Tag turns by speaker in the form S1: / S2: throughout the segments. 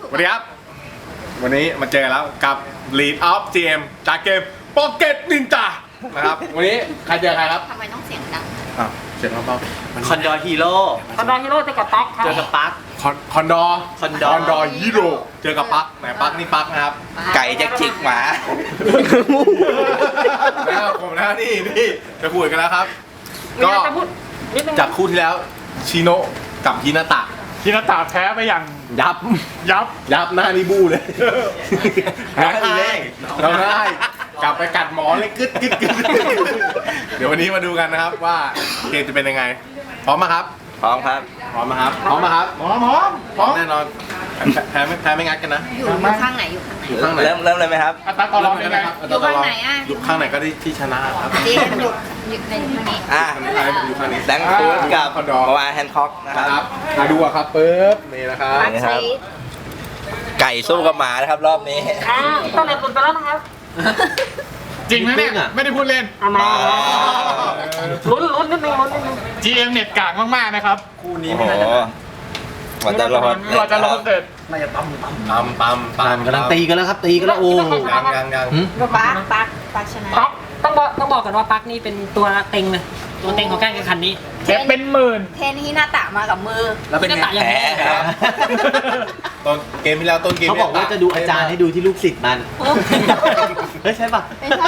S1: สวัสดีครับวันนี้มาเจอแล้วกับ Lead of GM จากเกม Pocket Ninja นะครับวันนี้ใครเจอใครครับ
S2: ทำไมต้องเสียงดัง
S1: เสียงเบาๆ
S3: คอนดอร์ฮีโร่
S2: คอนดอร์ฮีโร่เจอกับปักครับ
S3: เจอกับปัก
S1: คอนดอร์ฮีโร่เจอกับปักไหนปักนี่ปักนะครับ
S3: ไก่จะจิกหมา
S1: แล้วผมนะนี่จะพูดกันแล้วครับก็จากคู่ที่แล้วชิโนะกับฮินาตะ
S4: ฮินาตะแพ้ไปอย่าง
S1: ยับหน้านี่บู้เลยร้องไห้กลับไปกัดหมอนเลยกึดเดี๋ยววันนี้มาดูกันนะครับว่าเกมจะเป็นยังไงพร้อมไหมครับ
S3: พร้อมครับ
S1: พร้อมไหมครับพร้อมแน่นอนแพ้ไม่งัดกันนะ
S2: อยู่ข้างไหนอยู่ข้างไหน
S1: อยู่ข้างไหน
S3: เริ่มเลยไหมครับ
S4: อัตราต่อรองเป็นไง
S2: อยู่ข้างไหนอ่ะ
S1: อยู่ข้างไหนก็ได้ที่ชนะครับ
S2: เจมอยู่ในข้างนี้
S3: อ่ะ
S1: อยู่ข้างนี้
S3: แดงคูดกับ
S1: คอนดอร์
S3: มาวาแฮนด์ค็อกนะ
S1: นะค
S3: ค
S1: รั
S3: รั
S1: บบ มาดูอะครับปึ๊บนี่นะครับ
S2: ปักใช้
S3: ไก่สู้กับหมานะครับรอบนี้
S2: ต้องเรียนคุณไปแล้วนะครับ
S4: จริงไหมเนี่ยไม่ได้พูดเล่น
S2: เอามาลุ้นนิดนึง
S4: GM เน็ตกากมากๆนะครับ
S3: โอ้โหกว่าจะรอด
S4: กว่าจะรอดเสร็จ
S1: ปั๊ม
S5: กำลังตีกันแล้วครับตีกันแล้วโอ้
S1: ยัง
S2: ปักชนะ
S6: ปักต้องบอกกันว่าปักนี่เป็นตัวเต็งเลยตัวเต็งของการแข่งขันนี้
S4: เทปเป็นหมื่น
S2: เทนฮินาตะมากับมือ
S3: แล้วเป็นไง
S6: ก็ต่างอย่าง
S3: แพ้
S6: นี้
S3: ครับ
S1: ต้นเกมที่แล้วต้นเกม
S5: เขาบอกว่าจะดูอาจารย์ให้ดูที่ลูกศิษย์มันเฮ้ยใช่ปะ
S2: ไม่ใช่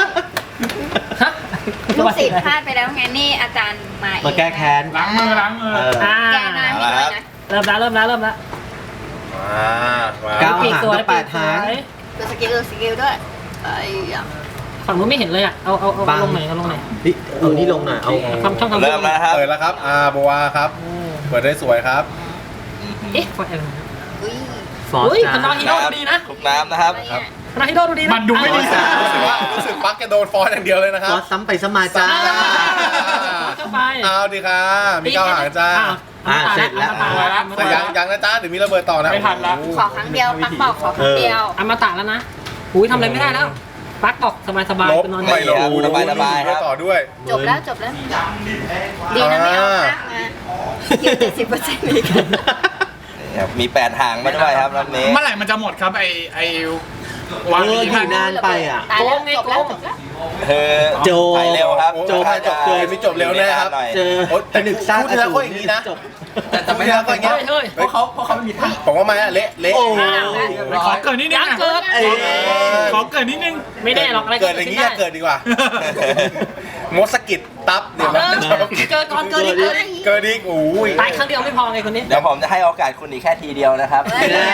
S2: ลูกศิษย์พลาดไปแล้วไงนี่อาจารย์มาเอง
S5: มาแก้แค้น
S4: ล้างมือ
S6: อ่า
S2: แก้หน้าให้ด้วยนะ
S6: เริ่มแล้ว
S1: มา
S5: ก้าว
S6: ปีก
S5: หาง
S6: สวย
S5: กับแปดหาง
S2: ดูสกิลด้วยไอ้ยา
S6: ฝั่งนู้นไม่เห็นเลยอ่ะเอาลงไหนเอาลงไหน
S5: นี่เอานี่ลงหน่อยเอา
S6: ทำช่องทำ
S3: เริ่มแล้วครับ
S1: เปิดแล้วครับโบวาครับเปิดได้สวยครับ
S6: เอ๊ะฟอร์เอล
S2: อุ้ย
S5: ฟอร์
S6: อุ้ย
S5: จ้า
S6: คอนดอร์ฮีโร่ดูดีนะ
S3: ทุกน้ำนะครับ
S2: อะไรเนี่ย
S6: คอนดอร์ฮีโร่ดูดีนะ
S4: มันดูไม่ดี
S1: รู้สึกปักจะโดนฟอนอย่างเดียวเลยนะค
S5: ฟ
S1: รั
S5: อบ ร์ซ้ำไปซ้ำมาจ้า
S6: เข้าไป
S1: เอาดีค่ะมีเก้าหางจ้า
S5: เสร็จแล้ว
S1: แต่ยังนะจ้าเดี๋ยวมีระเบิดต่อนะ
S4: ไม่ทันละ
S2: ขอครั้งเดียวปักบอกขอครั้งเดียว
S6: อมตะแล้วนะอุ้ยทำอะไรไม่ได้แล้วปักบอกสบายๆ
S1: ลบ
S6: ไปนอน
S1: ไม่ลบ
S3: สบายๆครับ
S1: ต่อด้วย
S2: จบแล้วดีนะไม่เอาพักมายืน70%อีก
S3: มี8หางมาด้วยครับรอบนี้
S4: เมื่อไหร่มันจะหมดครับไอ้วาง
S5: อยู่นานไปอ่ะ
S2: ตายแล้วจบแล้ว
S3: โจไปเร็วครับ
S5: โจไปจบเกิน
S1: ไม่จบเร็วแน่ครับ
S5: เจอผนึกสร้าง
S1: พูดแล้วก็อย่างนี้นะ
S5: จบ
S1: แต่ไม่ได้ก็อย่างเงี้ย
S6: เฮ้ย
S1: เพราะเขาไม่มีทางผมว่าไม่เละ
S5: โอ้
S4: ขอเกิดนิดนึง
S6: ยัง
S4: อะ
S6: เกิด
S4: ขอเกิดนิดนึง
S6: ไม่ได้หรอกอะไร
S1: เกิดอย่างนี้อย่าเกิดดีกว่า มดสกิดตับเดี๋ยว
S6: เกิดก่อนเกิดอีก
S1: เกิดอีกโอ้ย
S6: ตายครั้งเดียวไม่พอไงคนนี้
S3: เดี๋ยวผมจะให้โอกาสคุณอีกแค่ทีเดียวนะครับ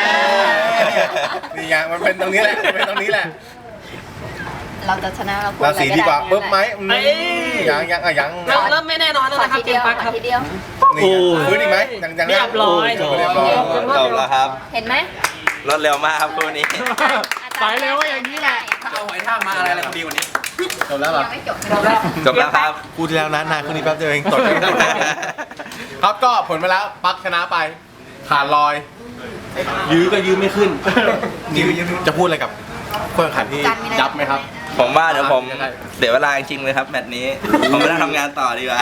S1: นี่ไงมันเป็นตรงนี้แหละเป็นตรงนี้แหละ
S2: เราจะชนะเรา
S1: ราศีดีกว่าปึ๊บไหมยัง
S6: เริ่มไม่แน่นอนแล้ว
S2: ขอ
S6: นะครั
S2: ที
S6: บเก
S2: เดี
S6: ม
S2: ยว
S6: ปักครับ
S2: ทีเดียว
S1: นี่ฟื้นอีกไหมยัง
S6: เรียบร้อย
S1: จบเรียบร้อย
S3: จบแล้วครับ
S2: เห็นไหม
S3: รวดเร็วมากครับคู่นี้
S4: สายเร็วอย่างนี้แหละ
S3: เอาหอยทากมาอะไรดีกว่านี้
S1: จบแล้วเหรอ
S2: ยังไม่จบแล้ว
S3: จบแล้วครับ
S1: พูดที่แล้วนานขึ้นอีกแป๊บเดียวเองตดครับก็ผลไปแล้วปักชนะไปขาดลอย ยื้อก็ยื้อไม่ขึ้นจะพูดอะไรกับผู้แข่งขันที่ยับไหมครับ
S3: ผมว่าเดี๋ยวผมเดี๋ยวเวลาจริงๆเลยครับแมตช์นี้ ผมไม่ต้องทำงานต่อดีกว่า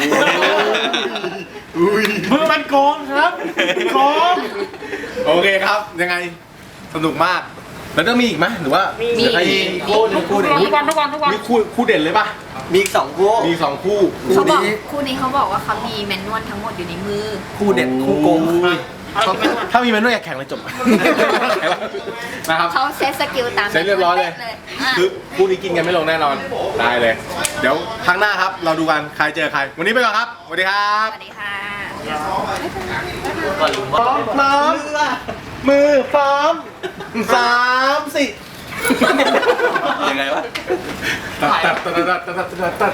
S4: มือมันโกงครับโกง
S1: โอเคครับยังไงสนุกมากแล้วต้องมีอีกไหมหรือว่ามีคู่เด่น
S6: ทุกวัน
S1: มีคู่เด่นเลยป่ะ
S5: มีอีก2คู่
S1: มี2คู่
S2: เขาบอกคู่นี้เขาบอกว่าเขามีแมนนวลทั้งหมดอยู่ในมือ
S1: คู่เด่นคู่โกงถ้ามีแมนนวลอยากแข่งเลยจบนะครับ
S2: เขาเซตสกิลตาม
S1: เสร็จเรียบร้อยเลย คือคู่นี้กินกันไม่ลงแน่นอน ได้เลย เดี๋ยวครั้งหน้าครับ เราดูกันใครเจอใคร วันนี้ไปก่อนครับ สวัสดีครับ
S2: สวัสดีค่ะ
S1: พร้อมมือพร้อม3 4
S3: ยังไงวะ
S1: ตัด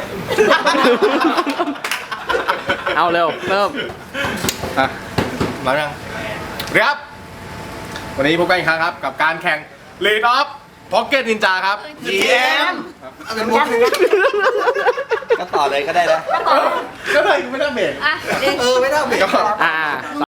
S4: เอาเร็วเริ่ม
S1: อ่ะรับยังเรียบวันนี้พบกันอีกครั้งครับ กับการแข่ง Lead of Pocket Ninja ครับ GM
S3: ก็ต่อเลยก็ได้นะ
S1: ก็เลยไม่ได้เบรก
S2: อ่ะ
S5: ไม่ได้เบรก
S1: ก็
S4: อ่า